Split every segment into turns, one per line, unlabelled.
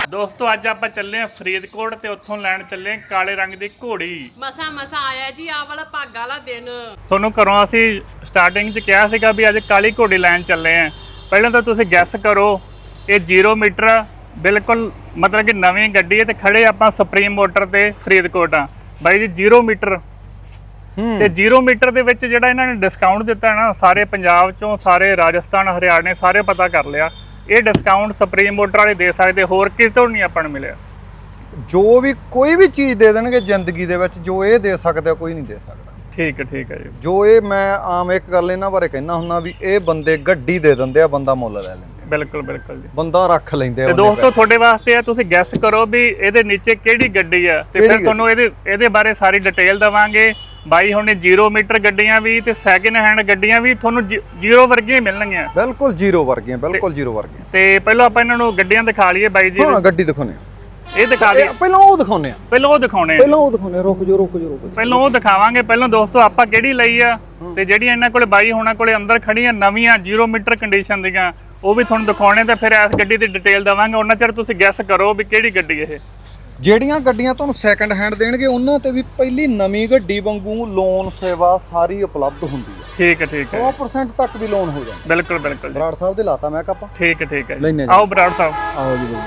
ਦੋਸਤੋ ਅੱਜ ਆਪਾਂ ਚੱਲੇ ਆ ਫਰੀਦਕੋਟ ਤੇ ਉੱਥੋਂ ਲੈਣ ਚੱਲੇ ਆ ਕਾਲੇ ਰੰਗ ਦੀ ਘੋੜੀ।
ਮਸਾ ਆਇਆ ਜੀ ਆ ਵਾਲਾ ਭਾਗਾ ਵਾਲਾ ਦਿਨ।
ਤੁਹਾਨੂੰ ਘਰੋਂ ਅਸੀਂ ਸਟਾਰਟਿੰਗ 'ਚ ਕਿਹਾ ਸੀਗਾ ਵੀ ਅੱਜ ਕਾਲੀ ਘੋੜੀ ਲੈਣ ਚੱਲੇ ਆ। ਪਹਿਲਾਂ ਤਾਂ ਤੁਸੀਂ ਗੈਸ ਕਰੋ, ਇਹ 0 ਮੀਟਰ ਬਿਲਕੁਲ ਮਤਲਬ ਕਿ ਨਵੀਂ ਗੱਡੀ ਹੈ ਤੇ ਖੜੇ ਆਪਾਂ ਸੁਪਰੀਮ ਮੋਟਰ ਤੇ ਫਰੀਦਕੋਟ ਆ ਬਾਈ ਜੀ। 0 ਮੀਟਰ ਤੇ 0 ਮੀਟਰ ਦੇ ਵਿੱਚ ਜਿਹੜਾ ਇਹਨਾਂ ਨੇ ਡਿਸਕਾਊਂਟ ਦਿੱਤਾ ਨਾ, ਸਾਰੇ ਪੰਜਾਬ ਚੋਂ, ਸਾਰੇ ਰਾਜਸਥਾਨ, ਹਰਿਆਣੇ ਸਾਰੇ ਪਤਾ ਕਰ ਲਿਆ। ਇਹ ਡਿਸਕਾਊਂਟ ਸੁਪਰੀਮ ਮੋਟਰ ਵਾਲੇ ਦੇ ਸਕਦੇ, ਹੋਰ ਕਿਤੋਂ ਨਹੀਂ ਆਪਾਂ ਨੂੰ ਮਿਲਿਆ।
ਜੋ ਵੀ ਕੋਈ ਵੀ ਚੀਜ਼ ਦੇ ਦੇਣਗੇ ਜ਼ਿੰਦਗੀ ਦੇ ਵਿੱਚ, ਜੋ ਇਹ ਦੇ ਸਕਦਾ ਕੋਈ ਨਹੀਂ ਦੇ ਸਕਦਾ।
ਠੀਕ ਹੈ ਜੀ।
ਜੋ ਇਹ ਮੈਂ ਆਮ ਇੱਕ ਗੱਲ ਇਹਨਾਂ ਬਾਰੇ ਕਹਿਣਾ ਹੁੰਦਾ ਵੀ ਇਹ ਬੰਦੇ ਗੱਡੀ ਦੇ ਦਿੰਦੇ ਆ, ਬੰਦਾ ਮੁੱਲ ਲੈ ਲੈਂਦੇ।
ਬਿਲਕੁਲ ਜੀ,
ਬੰਦਾ ਰੱਖ ਲੈਂਦੇ ਆ।
ਤੇ ਦੋਸਤੋ ਤੁਹਾਡੇ ਵਾਸਤੇ ਆ, ਤੁਸੀਂ ਗੈਸ ਕਰੋ ਵੀ ਇਹਦੇ ਨੀਚੇ ਕਿਹੜੀ ਗੱਡੀ ਆ ਤੇ ਫਿਰ ਤੁਹਾਨੂੰ ਇਹਦੇ ਬਾਰੇ ਸਾਰੀ ਡਿਟੇਲ ਦਵਾਂਗੇ। ਬਾਈ ਹੁਣ 0 ਮੀਟਰ ਗੱਡੀਆਂ ਵੀ ਤੇ ਸੈਕਿੰਡ ਹੈਂਡ ਗੱਡੀਆਂ ਵੀ ਤੁਹਾਨੂੰ 0 ਵਰਗੀਆਂ ਮਿਲਣਗੀਆਂ।
ਬਿਲਕੁਲ 0 ਵਰਗੀਆਂ, ਬਿਲਕੁਲ 0 ਵਰਗੀਆਂ।
ਤੇ ਪਹਿਲਾਂ ਆਪਾਂ ਇਹਨਾਂ ਨੂੰ ਗੱਡੀਆਂ ਦਿਖਾ ਲਈਏ ਬਾਈ ਜੀ।
ਹਾਂ ਗੱਡੀ ਦਿਖਾਉਣੇ ਆ,
ਇਹ ਦਿਖਾ ਲਈਏ।
ਪਹਿਲਾਂ ਉਹ ਦਿਖਾਉਣੇ ਆ,
ਪਹਿਲਾਂ ਉਹ ਦਿਖਾਉਣੇ।
ਰੁਕ ਜਾਓ।
ਪਹਿਲਾਂ ਉਹ ਦਿਖਾਵਾਂਗੇ। ਪਹਿਲਾਂ ਦੋਸਤੋ ਆਪਾਂ ਕਿਹੜੀ ਲਈ ਆ ਤੇ ਜਿਹੜੀਆਂ ਇਹਨਾਂ ਕੋਲੇ ਬਾਈ ਹੋਣਾ ਕੋਲੇ ਅੰਦਰ ਖੜੀਆਂ ਨਵੀਆਂ 0 ਮੀਟਰ ਕੰਡੀਸ਼ਨ ਦੀਆਂ ਉਹ ਵੀ ਤੁਹਾਨੂੰ ਦਿਖਾਉਣੇ ਤੇ ਫਿਰ ਇਸ ਗੱਡੀ ਦੀ ਡਿਟੇਲ ਦਵਾਂਗੇ। ਉਹਨਾਂ ਚਿਰ ਤੁਸੀਂ ਗੈਸ ਕਰੋ ਵੀ ਕਿਹੜੀ ਗੱਡੀ ਇਹ।
ਜਿਹੜੀਆਂ ਗੱਡੀਆਂ ਤੁਹਾਨੂੰ ਸੈਕੰਡ ਹੈਂਡ ਦੇਣਗੇ ਉਹਨਾਂ ਤੇ ਵੀ ਪਹਿਲੀ ਨਵੀਂ ਗੱਡੀ ਵਾਂਗੂ ਲੋਨ ਸੇਵਾ ਸਾਰੀ ਉਪਲਬਧ ਹੁੰਦੀ ਹੈ। ਠੀਕ ਹੈ 100% ਤੱਕ ਵੀ ਲੋਨ ਹੋ ਜਾਂਦਾ।
ਬਿਲਕੁਲ
ਬਰਾੜ ਸਾਹਿਬ ਦੇ ਲਾਤਾ ਮੈਂ ਕਾਪਾ।
ਠੀਕ ਹੈ। ਆਓ ਬਰਾੜ ਸਾਹਿਬ,
ਆਓ ਜੀ।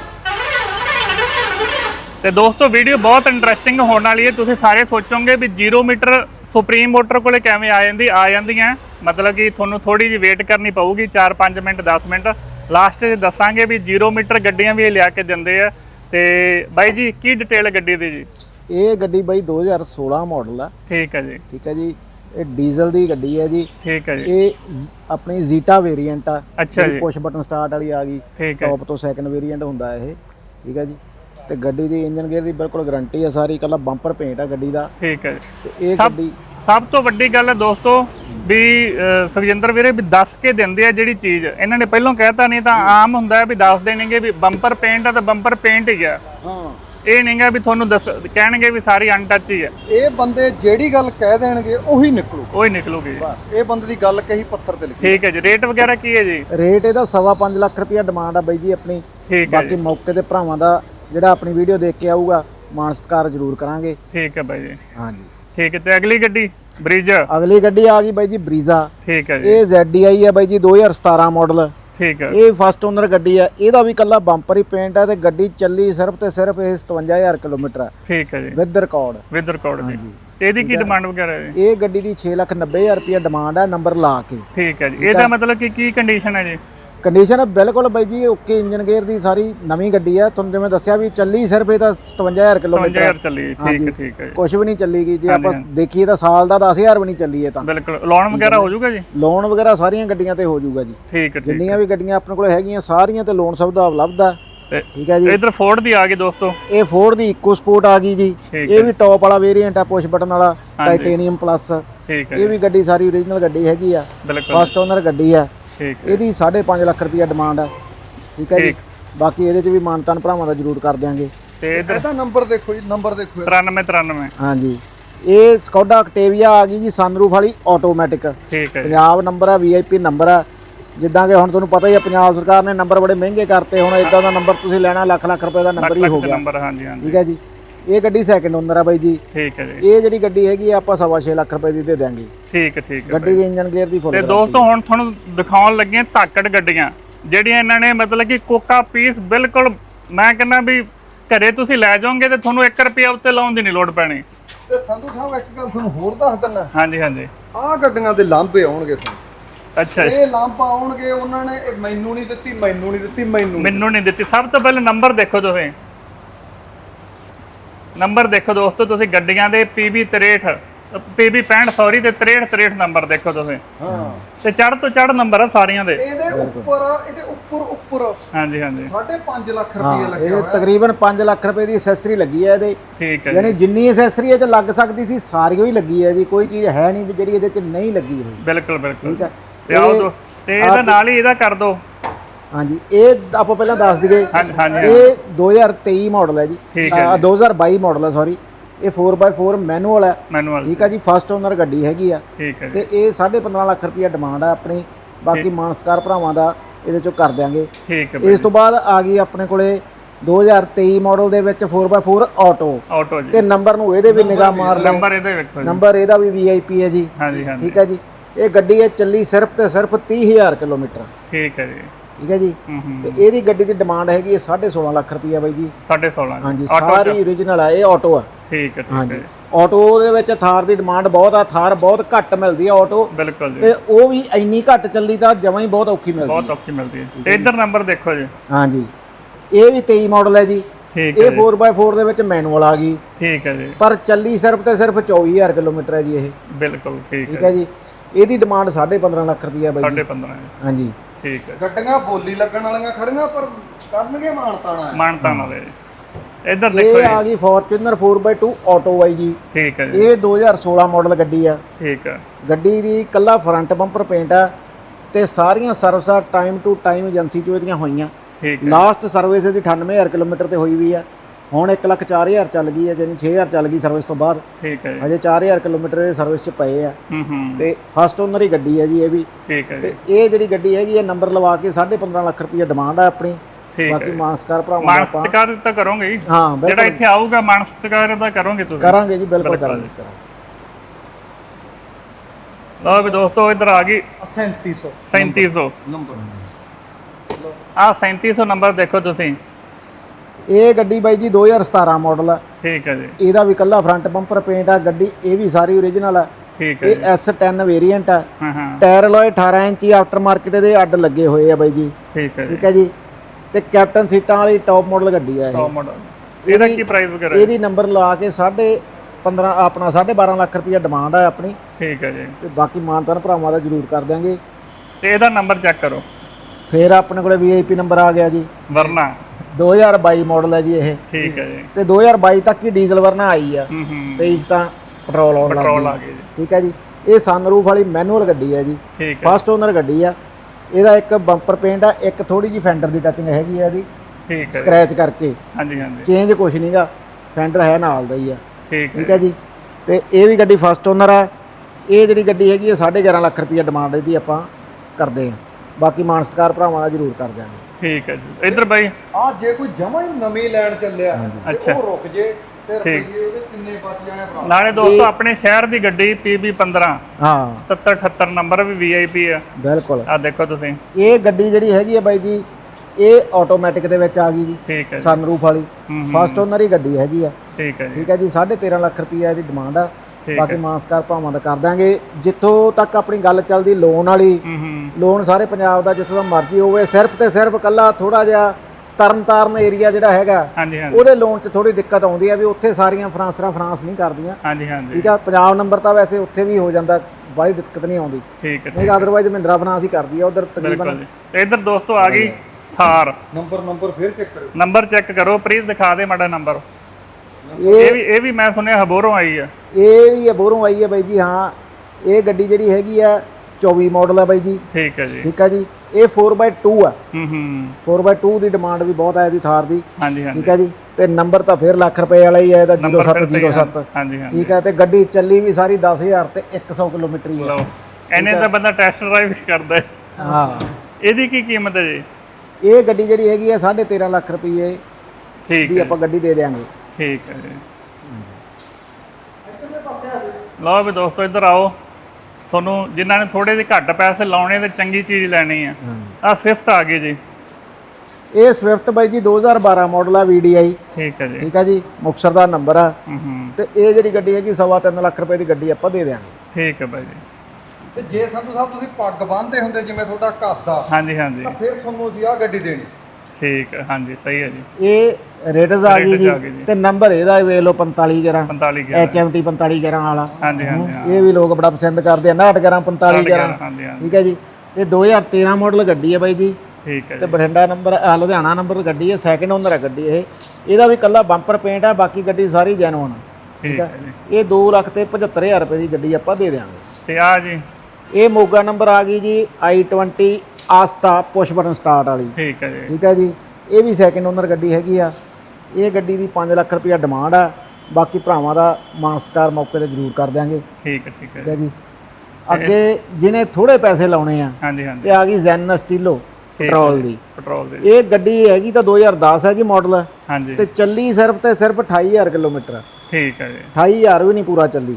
ਤੇ ਦੋਸਤੋ ਵੀਡੀਓ ਬਹੁਤ ਇੰਟਰਸਟਿੰਗ ਹੋਣ ਵਾਲੀ ਹੈ। ਤੁਸੀਂ ਸਾਰੇ ਸੋਚੋਗੇ ਵੀ 0 ਮੀਟਰ ਸੁਪਰੀਮ ਮੋਟਰ ਕੋਲੇ ਕਿਵੇਂ ਆ ਜਾਂਦੀਆਂ, ਮਤਲਬ ਕਿ ਤੁਹਾਨੂੰ ਥੋੜੀ ਜਿਹੀ ਵੇਟ ਕਰਨੀ ਪਊਗੀ, 4-5 ਮਿੰਟ 10 ਮਿੰਟ। ਲਾਸਟ 'ਚ ਦੱਸਾਂਗੇ ਵੀ 0 ਮੀਟਰ ਗੱਡੀਆਂ ਵੀ ਇਹ ਲਿਆ ਕੇ ਦਿੰਦੇ ਆ। ਤੇ ਬਾਈ ਜੀ ਕੀ ਡਿਟੇਲ ਗੱਡੀ ਦੀ ਜੀ?
ਇਹ ਗੱਡੀ ਬਾਈ 2016 ਮਾਡਲ ਆ।
ਠੀਕ ਹੈ ਜੀ।
ਇਹ ਡੀਜ਼ਲ ਦੀ ਗੱਡੀ ਹੈ ਜੀ।
ਠੀਕ ਹੈ ਜੀ।
ਇਹ ਆਪਣੀ ਜ਼ੀਟਾ ਵੇਰੀਐਂਟ ਆ।
ਅੱਛਾ ਜੀ।
ਪੁਸ਼ ਬਟਨ ਸਟਾਰਟ ਵਾਲੀ ਆ ਗਈ। ਟੌਪ ਤੋਂ ਸੈਕੰਡ ਵੇਰੀਐਂਟ ਹੁੰਦਾ ਇਹ। ਠੀਕ ਹੈ ਜੀ। ਤੇ ਗੱਡੀ ਦੀ ਇੰਜਨ ਗੇਅਰ ਦੀ ਬਿਲਕੁਲ ਗਾਰੰਟੀ ਆ ਸਾਰੀ, ਇਕੱਲਾ ਬੰਪਰ ਪੇਂਟ ਆ ਗੱਡੀ ਦਾ।
ਠੀਕ ਹੈ
ਜੀ। ਇਹ ਗੱਡੀ
ਸਭ ਤੋਂ ਵੱਡੀ ਗੱਲ ਹੈ ਦੋਸਤੋ ਵੀ ਸੁਖਜਿੰਦਰ ਵੀਰੇ ਵੀ ਦੱਸ ਕੇ ਦਿੰਦੇ ਆ ਜਿਹੜੀ ਚੀਜ਼। ਇਹਨਾਂ ਨੇ ਪਹਿਲਾਂ ਕਹਿਤਾ, ਨਹੀਂ ਤਾਂ ਆਮ ਹੁੰਦਾ ਵੀ ਦੱਸ ਦੇਣਗੇ ਵੀ ਬੰਪਰ ਪੇਂਟ ਆ ਤਾਂ ਬੰਪਰ ਪੇਂਟ ਹੀ ਆ।
ਹਾਂ, ਇਹ
ਨਹੀਂਗਾ ਵੀ ਤੁਹਾਨੂੰ ਕਹਿਣਗੇ ਵੀ ਸਾਰੀ ਅਨਟੱਚ ਹੀ ਆ।
ਇਹ ਬੰਦੇ ਜਿਹੜੀ ਗੱਲ ਕਹਿ ਦੇਣਗੇ ਉਹੀ
ਨਿਕਲੂਗੀ।
ਬਸ ਇਹ ਬੰਦੇ ਦੀ ਗੱਲ ਕਹੀ ਪੱਥਰ ਤੇ ਲਿਖੀ।
ਠੀਕ ਹੈ ਜੀ। ਰੇਟ ਵਗੈਰਾ ਕੀ ਹੈ ਜੀ?
ਰੇਟ ਇਹਦਾ 5.25 ਲੱਖ ਰੁਪਇਆ ਡਿਮਾਂਡ ਆ ਬਾਈ ਜੀ ਆਪਣੀ।
ਠੀਕ ਹੈ।
ਬਾਕੀ ਮੌਕੇ ਤੇ ਭਰਾਵਾਂ ਦਾ ਜਿਹੜਾ ਆਪਣੀ ਵੀਡੀਓ ਦੇਖ ਕੇ ਆਊਗਾ ਮਾਣ ਸਤਿਕਾਰ ਜ਼ਰੂਰ ਕਰਾਂਗੇ।
ਠੀਕ ਹੈ ਬਾਈ ਜੀ।
ਹਾਂਜੀ
ਠੀਕ ਹੈ। ਤੇ ਅਗਲੀ ਗੱਡੀ ਬ੍ਰਿਜ।
ਅਗਲੀ ਗੱਡੀ ਆ ਗਈ ਬਾਈ ਜੀ ਬਰੀਜ਼ਾ।
ਠੀਕ ਹੈ ਜੀ।
ਇਹ ZDI ਆ ਬਾਈ ਜੀ 2017 ਮਾਡਲ।
ਠੀਕ ਹੈ।
ਇਹ ਫਸਟ ਓਨਰ ਗੱਡੀ ਆ। ਇਹਦਾ ਵੀ ਕੱਲਾ ਬੰਪਰ ਹੀ ਪੇਂਟ ਆ ਤੇ ਗੱਡੀ ਚੱਲੀ ਸਿਰਫ ਤੇ ਸਿਰਫ ਇਹ 57000 ਕਿਲੋਮੀਟਰ ਆ।
ਠੀਕ ਹੈ ਜੀ।
ਵਿਦ ਰਿਕਾਰਡ
ਜੀ। ਇਹਦੀ ਕੀ ਡਿਮਾਂਡ ਵਗੈਰਾ ਹੈ ਜੀ?
ਇਹ ਗੱਡੀ ਦੀ 6,90,000 ਰੁਪਇਆ ਡਿਮਾਂਡ ਆ, ਨੰਬਰ ਲਾ ਕੇ।
ਠੀਕ ਹੈ ਜੀ। ਇਹਦਾ ਮਤਲਬ ਕਿ ਕੀ ਕੰਡੀਸ਼ਨ ਹੈ ਜੀ?
ਕੰਡੀਸ਼ਨ ਬਿਲਕੁਲ ਬਾਈ ਜੀ ਓਕੇ, ਇੰਜਨ ਗੇਅਰ ਦੀ ਸਾਰੀ ਨਵੀਂ ਗੱਡੀ ਆ। ਤੁਹਾਨੂੰ ਜਿਵੇਂ ਦੱਸਿਆ ਵੀ ਚੱਲੀ ਸਿਰਫ ਇਹ ਤਾਂ 57000 ਕਿਲੋਮੀਟਰ।
57000 ਚੱਲੀ। ਠੀਕ ਹੈ।
ਕੁਝ ਵੀ ਨਹੀਂ ਚੱਲੀਗੀ। ਜੇ ਆਪਾਂ ਦੇਖੀਏ ਤਾਂ ਸਾਲ ਦਾ 10,000 ਵੀ ਨਹੀਂ ਚੱਲੀ ਇਹ ਤਾਂ।
ਬਿਲਕੁਲ। ਲੋਨ ਵਗੈਰਾ ਹੋ ਜਾਊਗਾ ਜੀ?
ਲੋਨ ਵਗੈਰਾ ਸਾਰੀਆਂ ਗੱਡੀਆਂ ਤੇ ਹੋ ਜਾਊਗਾ ਜੀ।
ਠੀਕ ਹੈ।
ਜਿੰਨੀਆਂ ਵੀ ਗੱਡੀਆਂ ਆਪਣੇ ਕੋਲ ਹੈਗੀਆਂ ਸਾਰੀਆਂ ਤੇ ਲੋਨ ਸਭ ਦਾ ਉਪਲਬਧ ਆ। ਠੀਕ ਹੈ ਜੀ।
ਇਧਰ ਫੋਰਡ ਦੀ ਆ ਗਈ ਦੋਸਤੋ।
ਇਹ ਫੋਰਡ ਦੀ ਇਕੋ ਸਪੋਰਟ ਆ ਗਈ ਜੀ। ਇਹ ਵੀ ਟੌਪ ਵਾਲਾ ਵੇਰੀਐਂਟ ਆ, ਪੁਸ਼ ਬਟਨ ਵਾਲਾ, ਟਾਈਟੇਨੀਅਮ ਪਲੱਸ।
ਠੀਕ ਹੈ।
ਇਹ ਵੀ ਗੱਡੀ ਸਾਰੀ ਓਰੀਜਨਲ ਗੱਡੀ ਹੈਗੀ ਆ। ਫਸਟ ਓਨਰ ਗੱਡੀ ਆ। ਇਹਦੀ 5.5 ਲੱਖ ਰੁਪਇਆ ਡਿਮਾਂਡ ਆ। ਠੀਕ ਹੈ ਜੀ। ਬਾਕੀ ਇਹਦੇ 'ਚ ਵੀ ਮਾਨਤਾਨ ਭਰਾਵਾਂ ਦਾ ਜ਼ਰੂਰ ਕਰ ਦਿਆਂਗੇ।
ਤੇ
ਇਹਦਾ ਨੰਬਰ ਦੇਖੋ ਜੀ, ਨੰਬਰ ਦੇਖੋ
9393।
ਹਾਂਜੀ। ਇਹ ਸਕੋਡਾ ਆਕਟੇਵੀਆ ਆ ਗਈ ਜੀ, ਸਨਰੂਫ ਵਾਲੀ ਆਟੋਮੈਟਿਕ।
ਠੀਕ ਹੈ।
ਪੰਜਾਬ ਨੰਬਰ ਆ, VIP ਨੰਬਰ ਆ। ਜਿੱਦਾਂ ਕਿ ਹੁਣ ਤੁਹਾਨੂੰ ਪਤਾ ਹੀ ਆ ਪੰਜਾਬ ਸਰਕਾਰ ਨੇ ਨੰਬਰ ਬੜੇ ਮਹਿੰਗੇ ਕਰਤੇ। ਹੁਣ ਇਦਾਂ ਦਾ ਨੰਬਰ ਤੁਸੀਂ ਲੈਣਾ ਲੱਖ ਰੁਪਏ ਦਾ ਨੰਬਰ ਹੀ ਹੋ ਗਿਆ। ਠੀਕ ਹੈ ਜੀ। ਇਹ ਗੱਡੀ ਸੈਕਿੰਡ ਓਨਰ ਆ ਬਾਈ ਜੀ।
ਠੀਕ ਹੈ ਜੀ।
ਇਹ ਜਿਹੜੀ ਗੱਡੀ ਹੈਗੀ ਆਪਾਂ 6.25 ਲੱਖ ਰੁਪਏ ਦੀ ਦੇ ਦਿਆਂਗੇ।
ਠੀਕ ਹੈ।
ਗੱਡੀ ਦੇ ਇੰਜਨ ਗੇਅਰ ਦੀ ਫੁੱਲ।
ਤੇ ਦੋਸਤੋ ਹੁਣ ਤੁਹਾਨੂੰ ਦਿਖਾਉਣ ਲੱਗੇ ਧਾਕੜ ਗੱਡੀਆਂ ਜਿਹੜੀਆਂ ਇਹਨਾਂ ਨੇ ਮਤਲਬ ਕਿ ਕੋਕਾ ਪੀਸ ਬਿਲਕੁਲ, ਮੈਂ ਕਹਿੰਦਾ ਵੀ ਘਰੇ ਤੁਸੀਂ ਲੈ ਜਾਓਗੇ ਤੇ ਤੁਹਾਨੂੰ 1 ਰੁਪਿਆ ਉੱਤੇ ਲਾਉਣ ਦੀ ਨਹੀਂ ਲੋੜ ਪੈਣੀ।
ਤੇ ਸੰਧੂ ਸਾਹਿਬ ਇੱਕ ਗੱਲ ਤੁਹਾਨੂੰ ਹੋਰ ਦੱਸ ਦਿੰਦਾ।
ਹਾਂਜੀ।
ਆਹ ਗੱਡੀਆਂ ਦੇ ਲਾਂਭੇ ਆਉਣਗੇ ਤੁਹਾਨੂੰ।
ਅੱਛਾ।
ਇਹ ਲਾਂਭਾ ਆਉਣਗੇ, ਉਹਨਾਂ ਨੇ ਮੈਨੂੰ ਨਹੀਂ ਦਿੱਤੀ।
ਸਭ ਤੋਂ ਪਹਿਲਾਂ ਨੰਬਰ ਦੇਖੋ ਤੁਸੀਂ। ਨੰਬਰ ਦੇਖੋ ਦੋਸਤੋ ਤੁਸੀਂ ਗੱਡੀਆਂ ਦੇ PB 65 ਸੌਰੀ ਤੇ 63 ਨੰਬਰ ਦੇਖੋ ਤੁਸੀਂ।
ਹਾਂ।
ਤੇ ਚੜ ਤੋਂ ਚੜ ਨੰਬਰ ਆ ਸਾਰੀਆਂ ਦੇ।
ਇਹਦੇ ਉੱਪਰ
ਹਾਂਜੀ
5.5 ਲੱਖ ਰੁਪਏ ਲੱਗਿਆ
ਹੋਇਆ। ਤਕਰੀਬਨ 5 ਲੱਖ ਰੁਪਏ ਦੀ ਐਕਸੈਸਰੀ ਲੱਗੀ ਹੈ ਇਹਦੇ।
ਠੀਕ ਹੈ।
ਯਾਨੀ ਜਿੰਨੀ ਐਕਸੈਸਰੀ ਇਹ ਚ ਲੱਗ ਸਕਦੀ ਸੀ ਸਾਰੀ ਹੀ ਲੱਗੀ ਹੈ ਜੀ। ਕੋਈ ਚੀਜ਼ ਹੈ ਨਹੀਂ ਵੀ ਜਿਹੜੀ ਇਹਦੇ ਚ ਨਹੀਂ ਲੱਗੀ ਹੋਈ।
ਬਿਲਕੁਲ।
ਠੀਕ ਹੈ।
ਤੇ ਆਓ ਦੋਸਤ, ਤੇ ਇਹਦਾ ਨਾਲ ਹੀ ਇਹਦਾ ਕਰ ਦੋ।
ਹਾਂਜੀ। ਇਹ ਆਪਾਂ ਪਹਿਲਾਂ ਦੱਸ ਦਈਏ, ਇਹ 2023 ਮਾਡਲ ਹੈ ਜੀ। 2022 ਮਾਡਲ ਹੈ ਸੌਰੀ। ਇਹ 4x4 ਮੈਨੂਅਲ ਹੈ। ਠੀਕ ਹੈ ਜੀ। ਫਸਟ ਓਨਰ ਗੱਡੀ ਹੈਗੀ ਆ।
ਠੀਕ ਹੈ।
ਤੇ ਇਹ 15.5 ਲੱਖ ਰੁਪਇਆ ਡਿਮਾਂਡ ਆ ਆਪਣੀ। ਬਾਕੀ ਮਾਨ ਸਤਿਕਾਰ ਭਰਾਵਾਂ ਦਾ ਇਹਦੇ ਚੋਂ ਕਰ ਦਿਆਂਗੇ।
ਠੀਕ ਹੈ।
ਇਸ ਤੋਂ ਬਾਅਦ ਆ ਗਈ ਆਪਣੇ ਕੋਲੇ 2023 ਮਾਡਲ ਦੇ ਵਿੱਚ 4x4 ਆਟੋ
ਜੀ
ਤੇ ਨੰਬਰ ਨੂੰ ਇਹਦੇ ਵੀ ਨਿਗਾਹ ਮਾਰ ਲਓ,
ਨੰਬਰ ਇਹਦੇ ਵੇਖੋ,
ਨੰਬਰ ਇਹਦਾ ਵੀ VIP ਹੈ ਜੀ।
ਹਾਂਜੀ ਹਾਂਜੀ
ਠੀਕ ਹੈ ਜੀ। ਇਹ ਗੱਡੀ ਹੈ ਚੱਲੀ ਸਿਰਫ ਤੇ ਸਿਰਫ 30,000 ਕਿਲੋਮੀਟਰ।
ਠੀਕ ਹੈ ਜੀ।
ਠੀਕ ਹੈ ਜੀ। ਤੇ ਇਹਦੀ ਗੱਡੀ ਦੀ ਡਿਮਾਂਡ ਹੈਗੀ ਹੈ 16.5 ਲੱਖ ਰੁਪਈਆ ਬਾਈ ਜੀ।
16.5
ਹਾਂਜੀ, ਸਾਰੀ ਓਰੀਜਨਲ ਆ, ਇਹ ਆਟੋ ਆ।
ਠੀਕ ਹੈ
ਹਾਂਜੀ। ਆਟੋ ਦੇ ਵਿੱਚ ਥਾਰ ਦੀ ਡਿਮਾਂਡ ਬਹੁਤ ਆ, ਥਾਰ ਬਹੁਤ ਘੱਟ ਮਿਲਦੀ ਆ ਆਟੋ,
ਬਿਲਕੁਲ ਜੀ,
ਤੇ ਉਹ ਵੀ ਇੰਨੀ ਘੱਟ ਚੱਲੀ ਤਾਂ ਜਮਾਂ ਹੀ ਬਹੁਤ ਔਖੀ ਮਿਲਦੀ
ਬਹੁਤ ਔਖੀ ਮਿਲਦੀ ਹੈ। ਤੇ ਇੱਧਰ ਨੰਬਰ ਦੇਖੋ ਜੀ।
ਹਾਂਜੀ, ਇਹ ਵੀ 23 ਮਾਡਲ ਹੈ ਜੀ।
ਠੀਕ ਹੈ।
ਇਹ 4x4 ਦੇ ਵਿੱਚ ਮੈਨੂਅਲ ਆ ਗਈ।
ਠੀਕ ਹੈ ਜੀ।
ਪਰ ਚੱਲੀ ਸਿਰਫ ਤੇ ਸਿਰਫ 24,000 ਕਿਲੋਮੀਟਰ ਹੈ ਜੀ ਇਹ।
ਬਿਲਕੁਲ ਠੀਕ
ਹੈ ਜੀ। ਇਹਦੀ ਡਿਮਾਂਡ 15.5 ਲੱਖ ਰੁਪਈਆ ਬਾਈ ਜੀ।
15.5
ਹਾਂਜੀ
ਠੀਕ ਹੈ।
ਗੱਡੀਆਂ ਬੋਲੀ ਲੱਗਣ ਵਾਲੀਆਂ ਖੜੀਆਂ ਪਰ ਕਰਨਗੇ
ਮਾਨਤਾਂ ਵਾਲੇ। ਇੱਧਰ ਦੇਖੋ
ਇਹ ਆ ਗਈ ਫੋਰਚੂਨਰ 4x2 ਆਟੋ ਬਾਈ ਜੀ।
ਠੀਕ ਹੈ ਜੀ।
ਇਹ 2016 ਮਾਡਲ ਗੱਡੀ ਆ।
ਠੀਕ ਹੈ।
ਗੱਡੀ ਦੀ ਕੱਲਾ ਫਰੰਟ ਬੰਪਰ ਪੇਂਟ ਆ ਤੇ ਸਾਰੀਆਂ ਸਰਵਿਸਾਂ ਟਾਈਮ ਟੂ ਟਾਈਮ ਏਜੰਸੀ ਚੋਂ ਇਹਦੀਆਂ ਹੋਈਆਂ।
ਠੀਕ ਹੈ।
ਲਾਸਟ ਸਰਵਿਸ ਇਹਦੀ 98,000 ਕਿਲੋਮੀਟਰ ਤੇ ਹੋਈ ਵੀ ਆ। ਹੁਣ 1,04,000 ਚੱਲ ਗਈ ਹੈ, ਯਾਨੀ 6,000 ਚੱਲ ਗਈ ਸਰਵਿਸ ਤੋਂ ਬਾਅਦ।
ਠੀਕ ਹੈ।
ਅਜੇ 4,000 ਕਿਲੋਮੀਟਰ ਇਹ ਸਰਵਿਸ 'ਚ ਪਏ ਆ। ਤੇ ਫਸਟ ਓਨਰ ਹੀ ਗੱਡੀ ਹੈ ਜੀ ਇਹ ਵੀ।
ਠੀਕ ਹੈ।
ਤੇ ਇਹ ਜਿਹੜੀ ਗੱਡੀ ਹੈਗੀ ਇਹ ਨੰਬਰ ਲਵਾ ਕੇ 15.5 ਲੱਖ ਰੁਪਈਆ ਡਿਮਾਂਡ ਆ ਆਪਣੀ। ਬਾਕੀ ਮਾਨਸਤਕਾਰ ਭਰਾਵਾਂ ਦਾ ਆਪਾਂ
ਮਾਨਸਤਕਾਰ ਤਾਂ ਕਰੋਗੇ ਜੀ।
ਹਾਂ,
ਜਿਹੜਾ ਇੱਥੇ ਆਊਗਾ ਮਾਨਸਤਕਾਰ ਦਾ ਕਰੋਗੇ ਤੁਸੀਂ?
ਕਰਾਂਗੇ ਜੀ, ਬਿਲਕੁਲ ਕਰਾਂਗੇ।
ਲਓ ਵੀ ਦੋਸਤੋ, ਇੱਧਰ ਆ ਗਈ
3700
ਨੰਬਰ। ਆਹ 3700 ਨੰਬਰ ਦੇਖੋ ਤੁਸੀਂ।
ਇਹ ਗੱਡੀ ਬਾਈ ਜੀ 2017 ਮਾਡਲ ਆ।
ਠੀਕ ਹੈ ਜੀ।
ਇਹਦਾ ਵੀ ਕੱਲਾ ਫਰੰਟ ਬੰਪਰ ਪੇਂਟ ਆ। ਗੱਡੀ ਇਹ ਵੀ ਸਾਰੀ ਓਰੀਜਨਲ ਆ।
ਠੀਕ ਹੈ।
ਇਹ S10 ਵੇਰੀਐਂਟ ਆ।
ਹਾਂ।
ਟਾਇਰ ਲੋਏ 18 ਇੰਚੀ ਆਫਟਰ ਮਾਰਕੀਟ ਦੇ ਅੱਡ ਲੱਗੇ ਹੋਏ ਆ ਬਾਈ ਜੀ।
ਠੀਕ ਹੈ।
ਠੀਕ ਹੈ ਜੀ। ਤੇ ਕੈਪਟਨ ਸੀਟਾਂ ਵਾਲੀ ਟੌਪ ਮਾਡਲ ਗੱਡੀ ਆ ਇਹ।
Top model. ਇਹਦਾ ਕੀ ਪ੍ਰਾਈਸ ਵਗੈਰਾ?
ਇਹਦੀ ਨੰਬਰ ਲਾ ਕੇ 12.5 ਲੱਖ ਰੁਪਈਆ ਡਿਮਾਂਡ ਆ ਆਪਣੀ।
ਠੀਕ ਹੈ ਜੀ।
ਤੇ ਬਾਕੀ ਮਾਨਤਾਨ ਭਰਾਵਾਂ ਦਾ ਜ਼ਰੂਰ ਕਰ ਦਿਆਂਗੇ।
ਤੇ ਇਹਦਾ ਨੰਬਰ ਚੈੱਕ ਕਰੋ।
ਫੇਰ ਆਪਣੇ ਕੋਲੇ VIP ਨੰਬਰ ਆ ਗਿਆ ਜੀ।
ਵਰਨਾ
2022 ਮਾਡਲ ਹੈ ਜੀ ਇਹ।
ਠੀਕ ਹੈ ਜੀ।
ਤੇ 2022 ਤੱਕ ਹੀ ਡੀਜ਼ਲ ਵਰਨਾ ਆਈ ਆ। 23 ਤਾਂ ਪੈਟਰੋਲ ਆਉਣ ਲੱਗ
ਪੈਟਰੋਲ ਆ ਗਈ ਜੀ।
ਠੀਕ ਹੈ ਜੀ। ਇਹ ਸਨਰੂਫ ਵਾਲੀ ਮੈਨੂਅਲ ਗੱਡੀ ਹੈ ਜੀ।
ਠੀਕ ਹੈ।
ਫਸਟ ਓਨਰ ਗੱਡੀ ਆ। ਇਹਦਾ ਇੱਕ ਬੰਪਰ ਪੇਂਟ ਆ, ਇੱਕ ਥੋੜੀ ਜੀ ਫੈਂਡਰ ਦੀ ਟੱਚਿੰਗ ਹੈਗੀ ਆ ਇਹਦੀ।
ਠੀਕ ਹੈ।
ਸਕ੍ਰੈਚ ਕਰਕੇ।
ਹਾਂਜੀ ਹਾਂਜੀ।
ਚੇਂਜ ਕੁਛ ਨਹੀਂਗਾ, ਫੈਂਡਰ ਹੈ ਨਾਲ ਦਾ ਹੀ ਆ।
ਠੀਕ
ਹੈ ਜੀ। ਤੇ ਇਹ ਵੀ ਗੱਡੀ ਫਸਟ ਓਨਰ ਆ। ਇਹ ਜਿਹੜੀ ਗੱਡੀ ਹੈਗੀ ਹੈ 11.5 ਲੱਖ ਰੁਪਈਆ ਡਿਮਾਂਡ ਇਹਦੀ ਆਪਾਂ ਕਰਦੇ ਆ। ਬਾਕੀ ਮਾਨਸਤਕਾਰ ਭਰਾਵਾਂ ਦਾ ਜ਼ਰੂਰ ਕਰ ਦਿਆਂਗੇ।
ਠੀਕ ਹੈ ਜੀ। ਇੱਧਰ ਬਾਈ
ਆ ਜੇ ਕੋਈ ਜਮਾ ਹੀ ਨਵੀਂ ਲੈਣ ਚੱਲਿਆ
ਅੱਛਾ,
ਉਹ ਰੁਕ ਜੇ ਤੇ ਰੁਪਈਏ ਉਹਦੇ ਕਿੰਨੇ ਬਚ ਜਾਣੇ ਭਰਾ।
ਨਾਲੇ ਦੋਸਤੋ ਆਪਣੇ ਸ਼ਹਿਰ ਦੀ ਗੱਡੀ PB15
ਹਾਂ
7778 ਨੰਬਰ ਵੀ VIP ਆ।
ਬਿਲਕੁਲ।
ਆ ਦੇਖੋ ਤੁਸੀਂ।
ਇਹ ਗੱਡੀ ਜਿਹੜੀ ਹੈਗੀ ਹੈ ਬਾਈ ਜੀ ਇਹ ਆਟੋਮੈਟਿਕ ਦੇ ਵਿੱਚ ਆ ਗਈ ਜੀ।
ਠੀਕ ਹੈ।
ਸਨਰੂਫ ਵਾਲੀ ਫਸਟ ਓਨਰ ਹੀ ਗੱਡੀ ਹੈਗੀ ਆ।
ਠੀਕ ਹੈ ਜੀ।
ਠੀਕ ਹੈ ਜੀ। 13.5 ਲੱਖ ਰੁਪਈਆ ਇਹਦੀ ਡਿਮਾਂਡ ਆ।
ਠੀਕ
ਬਾਕੀ ਮਾਨਸਤਕਾਰ ਭਾਵਾਂ ਦਾ ਕਰ ਦਾਂਗੇ। ਜਿੱਥੋਂ ਤੱਕ ਆਪਣੀ ਗੱਲ ਚੱਲਦੀ ਲੋਨ ਵਾਲੀ, ਲੋਨ ਸਾਰੇ ਪੰਜਾਬ ਦਾ ਜਿੱਥੋਂ ਦਾ ਮਰਜ਼ੀ ਹੋਵੇ। ਸਿਰਫ ਤੇ ਸਿਰਫ ਕੱਲਾ ਥੋੜਾ ਜਿਹਾ ਤਰਨਤਾਰਨ ਏਰੀਆ ਜਿਹੜਾ ਹੈਗਾ ਉਹਦੇ ਲੋਨ 'ਚ ਥੋੜੀ ਦਿੱਕਤ ਆਉਂਦੀ ਆ ਵੀ ਉੱਥੇ ਸਾਰੀਆਂ ਫਰਾਂਸਰਾਂ ਫਰਾਂਸ ਨਹੀਂ ਕਰਦੀਆਂ। ਠੀਕ ਆ। ਪੰਜਾਬ ਨੰਬਰ ਤਾਂ ਵੈਸੇ ਉੱਥੇ ਵੀ ਹੋ ਜਾਂਦਾ, ਬਾਹਲੀ ਦਿੱਕਤ ਨਹੀਂ ਆਉਂਦੀ।
ਠੀਕ ਹੈ।
ਨਹੀਂ ਅਦਰਵਾਈਜ਼ ਮਹਿੰਦਰਾ ਫਰਾਂਸ ਹੀ ਕਰਦੀ ਆ ਉਧਰ ਤਕਰੀਬਨ।
ਤੇ ਇੱਧਰ ਦੋਸਤੋ ਆ ਗਈ ਥਾਰ।
ਨੰਬਰ ਫਿਰ ਚੈੱਕ ਕਰੋ।
ਨੰਬਰ ਚੈੱਕ ਕਰੋ ਪਲੀਜ਼, ਦਿਖਾ ਦੇ ਮਾੜਾ ਨੰਬਰ। ਇਹ ਵੀ ਮੈਂ ਸੁਣਿਆ ਹਬੋਰੋਂ ਆਈ ਆ।
ਇਹ ਵੀ ਹਬੋਰੋਂ ਆਈ ਹੈ ਬਾਈ ਜੀ। ਹਾਂ, ਇਹ ਗੱਡੀ ਜਿਹੜੀ ਹੈਗੀ ਆ 24 ਮਾਡਲ ਆ ਬਾਈ ਜੀ।
ਠੀਕ ਹੈ ਜੀ।
ਠੀਕ ਆ ਜੀ। ਇਹ 4x2 ਆ। 4x2 ਦੀ ਡਿਮਾਂਡ ਵੀ ਬਹੁਤ ਆ ਇਹਦੀ ਥਾਰ ਦੀ।
ਹਾਂਜੀ ਹਾਂਜੀ।
ਠੀਕ ਆ ਜੀ। ਤੇ ਨੰਬਰ ਤਾਂ ਫਿਰ ਲੱਖ ਰੁਪਏ ਵਾਲਾ ਹੀ ਆ ਇਹਦਾ 0707।
ਹਾਂਜੀ ਹਾਂਜੀ।
ਠੀਕ ਆ। ਤੇ ਗੱਡੀ ਚੱਲੀ ਵੀ ਸਾਰੀ 10,000 ਤੇ 100 ਕਿਲੋਮੀਟਰ ਹੀ ਆ।
ਲਓ, ਇਹਨੇ ਤਾਂ ਬੰਦਾ ਟੈਸਟ ਡਰਾਈਵ ਕਰਦਾ ਹੈ।
ਹਾਂ।
ਇਹਦੀ ਕੀ ਕੀਮਤ ਹੈ ਜੀ?
ਇਹ ਗੱਡੀ ਜਿਹੜੀ ਹੈਗੀ ਆ 13.5 ਲੱਖ ਰੁਪਏ
ਠੀਕ
ਦੀ
ਹੈ।
ਆਪਾਂ ਗੱਡੀ ਦੇ ਦੇਾਂਗੇ।
ਠੀਕ ਹੈ ਜੀ। ਲਓ ਵੀ ਦੋਸਤੋ ਇੱਧਰ ਆਓ। ਤੁਹਾਨੂੰ ਜਿਨ੍ਹਾਂ ਨੇ ਥੋੜੇ ਜਿਹੇ ਘੱਟ ਪੈਸੇ ਲਾਉਣੇ ਤੇ ਚੰਗੀ ਚੀਜ਼ ਲੈਣੀ ਆ, ਆ ਸਵਿਫਟ ਆ ਗਈ ਜੀ।
ਇਹ ਸਵਿਫਟ ਬਾਈ ਜੀ 2012 ਮਾਡਲ ਆ VDI।
ਠੀਕ ਹੈ ਜੀ।
ਠੀਕ ਆ ਜੀ। ਮੁਕਤਸਰ ਦਾ ਨੰਬਰ ਆ। ਤੇ ਇਹ ਜਿਹੜੀ ਗੱਡੀ ਹੈਗੀ 3.25 ਲੱਖ ਰੁਪਏ ਦੀ ਗੱਡੀ ਆਪਾਂ ਦੇ ਦੇਾਂਗੇ।
ਠੀਕ ਹੈ ਬਾਈ ਜੀ।
ਤੇ ਜੇ ਸੰਧੂ ਸਾਹਿਬ ਤੁਸੀਂ ਪੱਗ ਬੰਨ੍ਹਦੇ ਹੁੰਦੇ ਜਿਵੇਂ ਤੁਹਾਡਾ ਘਰ ਦਾ,
ਹਾਂਜੀ ਹਾਂਜੀ,
ਤਾਂ ਫਿਰ ਤੁਹਾਨੂੰ ਅਸੀਂ ਆ ਗੱਡੀ ਦੇਣੀ।
ਠੀਕ ਹੈ। ਹਾਂਜੀ ਸਹੀ ਹੈ ਜੀ।
ਇਹ ਰੇਟਸ ਆ ਗਈ ਜੀ। ਤੇ ਨੰਬਰ ਇਹਦਾ ਵੇਖ ਲਓ 4511 HMT 4511 ਵਾਲਾ।
ਹਾਂਜੀ ਹਾਂਜੀ।
ਇਹ ਵੀ ਲੋਕ ਬੜਾ ਪਸੰਦ ਕਰਦੇ ਆ 5911 4511।
ਹਾਂਜੀ ਹਾਂਜੀ।
ਠੀਕ ਹੈ ਜੀ। ਤੇ 2013 ਮਾਡਲ ਗੱਡੀ ਹੈ ਬਾਈ ਜੀ।
ਠੀਕ ਹੈ।
ਤੇ ਬਠਿੰਡਾ ਨੰਬਰ ਲੁਧਿਆਣਾ ਨੰਬਰ ਗੱਡੀ ਹੈ। ਸੈਕਿੰਡ ਓਨਰ ਹੈ ਗੱਡੀ ਇਹ। ਇਹਦਾ ਵੀ ਕੱਲਾ ਬੰਪਰ ਪੇਂਟ ਆ, ਬਾਕੀ ਗੱਡੀ ਸਾਰੀ ਜੈਨੂਅਨ।
ਠੀਕ ਹੈ ਜੀ।
ਇਹ 2,75,000 ਰੁਪਏ ਦੀ ਗੱਡੀ ਆਪਾਂ ਦੇ ਦੇਵਾਂਗੇ।
ਤੇ ਆ ਜੀ
ਇਹ ਮੋਗਾ ਨੰਬਰ ਆ ਗਈ ਜੀ i20 ਆਸਟਾ ਪੁਸ਼ ਬਟਨ ਸਟਾਰਟ ਵਾਲੀ।
ਠੀਕ ਹੈ ਜੀ।
ਠੀਕ ਹੈ ਜੀ। ਇਹ ਵੀ ਸੈਕਿੰਡ ਓਨਰ ਗੱਡੀ ਹੈਗੀ ਆ। ਇਹ ਗੱਡੀ ਦੀ 5 ਲੱਖ ਰੁਪਇਆ ਡਿਮਾਂਡ ਆ। ਬਾਕੀ ਭਰਾਵਾਂ ਦਾ ਮਾਨਸਤਕਾਰ ਮੌਕੇ ਤੇ ਜ਼ਰੂਰ ਕਰ ਦਿਆਂਗੇ।
ਠੀਕ ਹੈ। ਠੀਕ
ਠੀਕ ਹੈ ਜੀ। ਅੱਗੇ ਜਿਹਨੇ ਥੋੜੇ ਪੈਸੇ ਲਾਉਣੇ ਆ,
ਹਾਂਜੀ ਹਾਂਜੀ,
ਤੇ ਆ ਗਈ ਜ਼ੈਨ ਸਟੀਲੋ। ਪੈਟਰੋਲ ਦੀ।
ਪੈਟਰੋਲ ਦੀ
ਇਹ ਗੱਡੀ ਹੈਗੀ ਤਾਂ 2010 ਹੈ ਜੀ ਮਾਡਲ,
ਹਾਂਜੀ,
ਤੇ ਚੱਲੀ ਸਿਰਫ ਤੇ ਸਿਰਫ 28000 ਕਿਲੋਮੀਟਰ।
ਠੀਕ ਹੈ ਜੀ,
28000 ਵੀ ਨਹੀਂ ਪੂਰਾ ਚੱਲੀ,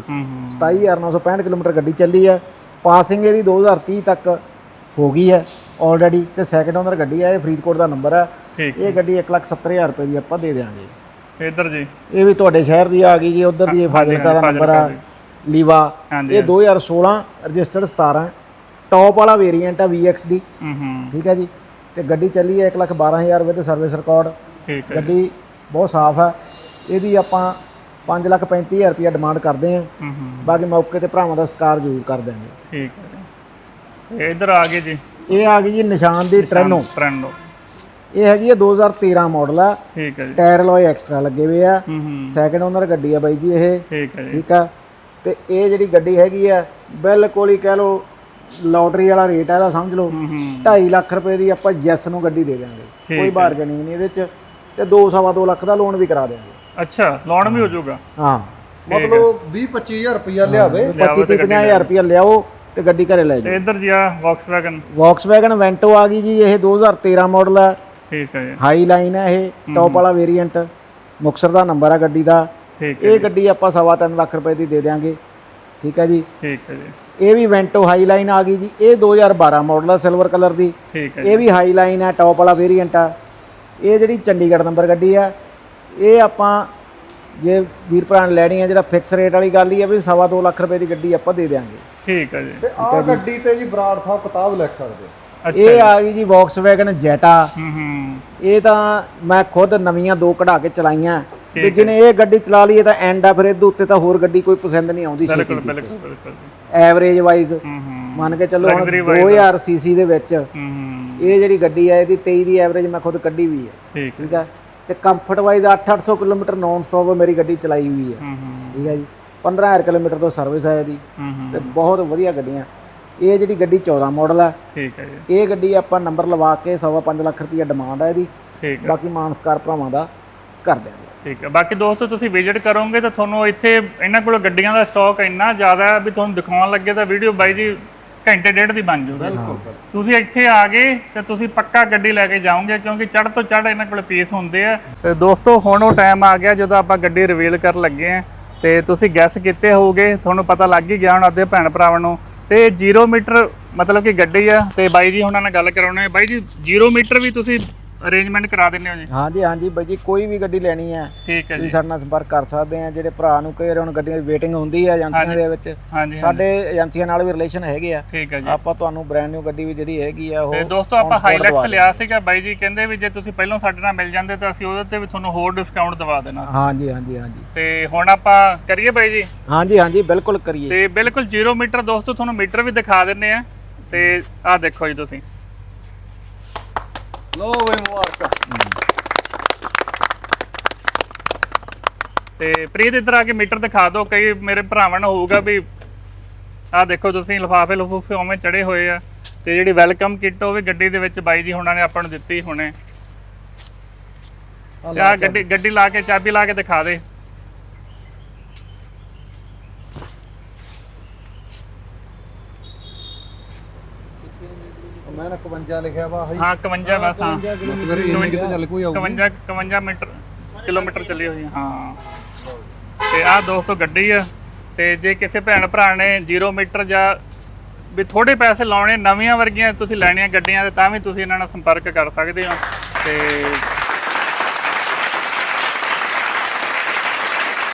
27965 ਕਿਲੋਮੀਟਰ ਗੱਡੀ ਚੱਲੀ ਹੈ। ਪਾਸਿੰਗ ਇਹਦੀ 2030 ਤੱਕ ਹੋ ਗਈ ਹੈ ਆਲਰੇਡੀ, ਤੇ ਸੈਕਿੰਡ ਓਨਰ ਗੱਡੀ ਹੈ, ਇਹ ਫਰੀਦਕੋਟ ਦਾ ਨੰਬਰ ਹੈ।
ਠੀਕ
ਇਹ ਗੱਡੀ 1,70,000 ਰੁਪਏ ਦੀ ਆਪਾਂ ਦੇ ਦੇਵਾਂਗੇ।
ਇੱਧਰ ਜੀ
ਇਹ ਵੀ ਤੁਹਾਡੇ ਸ਼ਹਿਰ ਦੀ ਆ ਗਈ ਜੀ, ਉਧਰ ਦੀ ਫਾਜ਼ਿਲਕਾ ਦਾ ਨੰਬਰ ਆ ਲੀਵਾ। ਇਹ 2016 ਰਜਿਸਟਰਡ 17 ਟੌਪ ਵਾਲਾ ਵੇਰੀਐਂਟ ਆ VXD। ਠੀਕ ਹੈ ਜੀ, ਤੇ ਗੱਡੀ ਚੱਲੀ ਹੈ 1,12,000 ਰੁਪਏ ਤੇ ਸਰਵਿਸ ਰਿਕਾਰਡ।
ਠੀਕ ਹੈ,
ਗੱਡੀ ਬਹੁਤ ਸਾਫ਼ ਹੈ। ਇਹਦੀ ਆਪਾਂ 5,35,000 ਰੁਪਏ ਡਿਮਾਂਡ ਕਰਦੇ ਆਂ, ਬਾਕੀ ਮੌਕੇ ਤੇ ਭਰਾਵਾਂ ਦਾ ਸਤਿਕਾਰ ਜ਼ਰੂਰ ਕਰ ਦਿਆਂਗੇ।
ਠੀਕ ਹੈ। ਇਹ ਇੱਧਰ ਆ ਗਏ ਜੀ,
ਇਹ ਆ ਗਈ ਜੀ ਨਿਸ਼ਾਨ ਦੀ ਟ੍ਰੈਨੋ। ਇਹ ਹੈਗੀ ਹੈ 2013 ਮਾਡਲ ਆ।
ਠੀਕ ਹੈ ਜੀ,
ਟਾਇਰ ਅਲੋਏ ਐਕਸਟਰਾ ਲੱਗੇ ਹੋਏ ਆ। ਸੈਕਿੰਡ ਓਨਰ ਗੱਡੀ ਆ ਬਾਈ ਜੀ ਇਹ।
ਠੀਕ ਹੈ ਜੀ,
ਠੀਕ ਆ, ਤੇ ਇਹ ਜਿਹੜੀ ਗੱਡੀ ਹੈਗੀ ਆ ਬਿਲਕੁਲ ਹੀ ਕਹਿ ਲਓ ਲੋਟਰੀ ਵਾਲਾ ਰੇਟ ਆ ਇਹਦਾ, ਸਮਝ ਲਓ 2.5 ਲੱਖ ਰੁਪਏ ਦੀ ਆਪਾਂ ਜੈਸ ਨੂੰ ਗੱਡੀ ਦੇ ਦਿਆਂਗੇ, ਕੋਈ ਬਾਰਗੇਨਿੰਗ ਨਹੀਂ ਇਹਦੇ ਚ, ਤੇ 2.25 ਲੱਖ ਦਾ ਲੋਨ ਵੀ ਕਰਾ ਦਿਆਂਗੇ।
ਅੱਛਾ, ਲੋਨ ਵੀ ਹੋ ਜਾਊਗਾ?
ਹਾਂ,
ਮਤਲਬ 20-25,000 ਰੁਪਇਆ ਲਿਆਵੇ,
25-50,000 ਰੁਪਇਆ ਲਿਆਓ ਤੇ ਗੱਡੀ ਘਰੇ ਲੈ ਜਾਓ।
ਇੱਧਰ ਜੀ ਆ
ਵੌਕਸਵੈਗਨ ਵੈਂਟੋ ਆ ਗਈ ਜੀ, ਇਹ 2013 ਮਾਡਲ ਆ।
ਠੀਕ ਹੈ ਜੀ,
ਹਾਈ ਲਾਈਨ ਹੈ, ਇਹ ਟੌਪ ਵਾਲਾ ਵੇਰੀਐਂਟ, ਮੁਕਤਸਰ ਦਾ ਨੰਬਰ ਆ ਗੱਡੀ ਦਾ। ਇਹ ਗੱਡੀ ਆਪਾਂ 3.25 ਲੱਖ ਰੁਪਏ ਦੀ ਦੇ ਦਿਆਂਗੇ। ਠੀਕ ਹੈ ਜੀ,
ਠੀਕ ਹੈ ਜੀ,
ਇਹ ਵੀ ਵੈਂਟੋ ਹਾਈ ਲਾਈਨ ਆ ਗਈ ਜੀ, ਇਹ 2012 ਮਾਡਲ ਆ, ਸਿਲਵਰ ਕਲਰ ਦੀ।
ਠੀਕ ਹੈ,
ਇਹ ਵੀ ਹਾਈ ਲਾਈਨ ਹੈ, ਟੌਪ ਵਾਲਾ ਵੇਰੀਐਂਟ ਆ। ਇਹ ਜਿਹੜੀ ਚੰਡੀਗੜ੍ਹ ਨੰਬਰ ਗੱਡੀ ਆ, ਇਹ ਆਪਾਂ ਜੇ ਵੀਰ ਭਰਾ ਨੇ ਲੈਣੀ ਆ, ਜਿਹੜਾ ਫਿਕਸ ਰੇਟ ਵਾਲੀ ਗੱਲ ਹੀ ਆ ਵੀ 2.25 ਲੱਖ ਰੁਪਏ ਦੀ ਗੱਡੀ ਆਪਾਂ ਦੇ ਦਿਆਂਗੇ।
ਠੀਕ ਹੈ ਜੀ,
ਤੇ ਆਹ ਗੱਡੀ ਤੇ ਜੀ ਬਰਾੜ ਸਾਹਿਬ ਕਿਤਾਬ ਲਿਖ ਸਕਦੇ।
ਇਹ ਆ ਗਈ ਜੀ ਵੌਕਸਵੈਗਨ ਜੈਟਾ। ਇਹ ਤਾਂ ਮੈਂ ਖੁਦ ਨਵੀਆਂ 2 ਕਢਾ ਕੇ ਚਲਾਈਆਂ, ਵੀ ਜਿਹਨੇ ਇਹ ਗੱਡੀ ਚਲਾ ਲਈ ਤਾਂ ਐਂਡ ਆ, ਫਿਰ ਇਹਦੇ ਉੱਤੇ ਤਾਂ ਹੋਰ ਗੱਡੀ ਕੋਈ ਪਸੰਦ ਨਹੀਂ ਆਉਂਦੀ।
ਬਿਲਕੁਲ
ਐਵਰੇਜ ਵਾਈਜ਼ ਮੰਨ ਕੇ ਚੱਲੋ 2000 ਸੀਸੀ ਦੇ ਵਿੱਚ ਇਹ ਜਿਹੜੀ ਗੱਡੀ ਆ, ਇਹਦੀ 23 ਦੀ ਐਵਰੇਜ ਮੈਂ ਖੁਦ ਕੱਢੀ ਵੀ ਹੈ। ਠੀਕ ਹੈ, ਤੇ comfort wise 800 kilometre non stop ਮੇਰੀ ਗੱਡੀ ਚਲਾਈ ਹੋਈ ਹੈ। ਠੀਕ ਹੈ ਜੀ, 15,000 ਕਿਲੋਮੀਟਰ ਤੋਂ ਸਰਵਿਸ ਹੈ ਇਹਦੀ, ਤੇ ਬਹੁਤ ਵਧੀਆ ਗੱਡੀਆਂ। ਇਹ ਜਿਹੜੀ ਗੱਡੀ 14 ਮਾਡਲ ਆ।
ਠੀਕ ਹੈ ਜੀ,
ਇਹ ਗੱਡੀ ਆਪਾਂ ਨੰਬਰ ਲਵਾ ਕੇ 5.25 ਲੱਖ ਰੁਪਈਆ ਡਿਮਾਂਡ ਆ ਇਹਦੀ।
ਠੀਕ ਹੈ,
ਬਾਕੀ ਮਾਨਸਕਾਰ ਭਰਾਵਾਂ ਦਾ ਕਰ ਦਿਆਂਗੇ।
ਠੀਕ ਹੈ। ਬਾਕੀ ਦੋਸਤੋ ਤੁਸੀਂ ਵਿਜ਼ਿਟ ਕਰੋਗੇ ਤਾਂ ਤੁਹਾਨੂੰ ਇੱਥੇ ਇਹਨਾਂ ਕੋਲ ਗੱਡੀਆਂ ਦਾ ਸਟਾਕ ਇੰਨਾ ਜ਼ਿਆਦਾ ਹੈ ਵੀ ਤੁਹਾਨੂੰ ਦਿਖਾਉਣ ਲੱਗੇ ਤਾਂ ਵੀਡੀਓ ਬਾਈ ਜੀ ਘੰਟੇ ਡੇਢ ਦੀ ਬਣ ਜਾਊਗੀ। ਤੁਸੀਂ ਇੱਥੇ ਆ ਗਏ ਤੇ ਤੁਸੀਂ ਪੱਕਾ ਗੱਡੀ ਲੈ ਕੇ ਜਾਓਗੇ, ਕਿਉਂਕਿ ਚੜ੍ਹ ਤੋਂ ਚੜ੍ਹ ਇਹਨਾਂ ਕੋਲ ਪੀਸ ਹੁੰਦੇ ਆ। ਤੇ ਦੋਸਤੋ ਹੁਣ ਉਹ ਟਾਈਮ ਆ ਗਿਆ ਜਦੋਂ ਆਪਾਂ ਗੱਡੀ ਰਿਵੀਲ ਕਰਨ ਲੱਗੇ ਆ, ਤੇ ਤੁਸੀਂ ਗੈਸ ਕੀਤੇ ਹੋਗੇ, ਤੁਹਾਨੂੰ ਪਤਾ ਲੱਗ ਹੀ ਗਿਆ ਹੁਣ ਅੱਧੇ ਭੈਣ ਭਰਾਵਾਂ ਨੂੰ। ਤੇ 0 ਮੀਟਰ ਮਤਲਬ ਕਿ ਗੱਡੀ ਆ, ਤੇ ਬਾਈ ਜੀ ਉਹਨਾਂ ਨਾਲ ਗੱਲ ਕਰਾਉਣੇ। ਬਾਈ ਜੀ 0 ਮੀਟਰ ਵੀ ਤੁਸੀਂ ਅਰੇਂਜਮੈਂਟ ਕਰਾ ਦਿੰਦੇ ਹੋ ਜੀ?
ਹਾਂਜੀ ਬਾਈ ਜੀ, ਕੋਈ ਵੀ ਗੱਡੀ ਲੈਣੀ ਹੈ
ਠੀਕ ਹੈ ਜੀ,
ਤੁਸੀਂ ਸਾਡੇ ਨਾਲ ਸੰਪਰਕ ਕਰ ਸਕਦੇ ਆ। ਜਿਹੜੇ ਭਰਾ ਨੂੰ ਕਈ ਵਾਰ ਹੁਣ ਗੱਡੀਆਂ ਦੀ ਵੇਟਿੰਗ ਹੁੰਦੀ ਹੈ ਏਜੰਸੀਆਂ ਦੇ ਵਿੱਚ, ਸਾਡੇ ਏਜੰਸੀਆਂ ਨਾਲ ਵੀ ਰਿਲੇਸ਼ਨ ਹੈਗੇ ਆ।
ਠੀਕ ਹੈ ਜੀ,
ਆਪਾਂ ਤੁਹਾਨੂੰ ਬ੍ਰਾਂਡ ਨਿਊ ਗੱਡੀ ਵੀ ਜਿਹੜੀ ਹੈਗੀ ਆ ਉਹ।
ਤੇ ਦੋਸਤੋ ਆਪਾਂ ਹਾਈਲੈਕਸ ਲਿਆ ਸੀਗਾ, ਬਾਈ ਜੀ ਕਹਿੰਦੇ ਵੀ ਜੇ ਤੁਸੀਂ ਪਹਿਲਾਂ ਸਾਡੇ ਨਾਲ ਮਿਲ ਜਾਂਦੇ ਤਾਂ ਅਸੀਂ ਉਹਦੇ ਤੇ ਵੀ ਤੁਹਾਨੂੰ ਹੋਰ ਡਿਸਕਾਊਂਟ ਦਵਾ ਦੇਣਾ।
ਹਾਂਜੀ
ਤੇ ਹੁਣ ਆਪਾਂ ਕਰੀਏ ਬਾਈ ਜੀ?
ਹਾਂਜੀ ਬਿਲਕੁਲ ਕਰੀਏ।
ਤੇ ਬਿਲਕੁਲ 0 ਮੀਟਰ ਦੋਸਤੋ ਤੁਹਾਨੂੰ ਮੀਟਰ ਵੀ ਦਿਖਾ ਦਿੰਨੇ ਆ। ਤੇ ਆਹ ਦੇਖੋ ਜੀ ਤੁਸੀਂ,
ਲੋ ਬਈ ਮੁਬਾਰਕਾਂ।
ਤੇ ਪ੍ਰੀਤ ਇੱਧਰ ਆ ਕੇ ਮੀਟਰ ਦਿਖਾ ਦਿਓ, ਕਈ ਮੇਰੇ ਭਰਾਵਾਂ ਨੂੰ ਹੋਊਗਾ ਵੀ ਆਹ ਦੇਖੋ ਤੁਸੀਂ ਲਿਫਾਫੇ ਉਵੇਂ ਚੜੇ ਹੋਏ ਆ। ਤੇ ਜਿਹੜੀ ਵੈਲਕਮ ਕਿੱਟ ਉਹ ਵੀ ਗੱਡੀ ਦੇ ਵਿੱਚ ਬਾਈ ਜੀ ਹੁਣਾਂ ਨੇ ਆਪਾਂ ਨੂੰ ਦਿੱਤੀ ਹੁਣੇ। ਆਹ ਗੱਡੀ ਲਾ ਕੇ ਚਾਬੀ ਲਾ ਕੇ ਦਿਖਾ ਦੇ।
ਮੈਂ ਨਾ 51 ਲਿਖਿਆ ਵਾ।
ਹਾਂ 51 ਬਸ, ਹਾਂ 51 ਮੀਟਰ ਕਿਲੋਮੀਟਰ ਚੱਲੀ ਹੋਈ। ਹਾਂ, ਤੇ ਆਹ ਦੋਸਤੋ ਗੱਡੀ ਆ। ਤੇ ਜੇ ਕਿਸੇ ਭੈਣ ਭਰਾ ਨੇ 0 ਮੀਟਰ ਜਾਂ ਵੀ ਥੋੜੇ ਪੈਸੇ ਲਾਉਣੇ, ਨਵੀਆਂ ਵਰਗੀਆਂ ਤੁਸੀਂ ਲੈਣੀਆਂ ਗੱਡੀਆਂ, ਤੇ ਤਾਂ ਵੀ ਤੁਸੀਂ ਇਹਨਾਂ ਨਾਲ ਸੰਪਰਕ ਕਰ ਸਕਦੇ ਹੋ। ਤੇ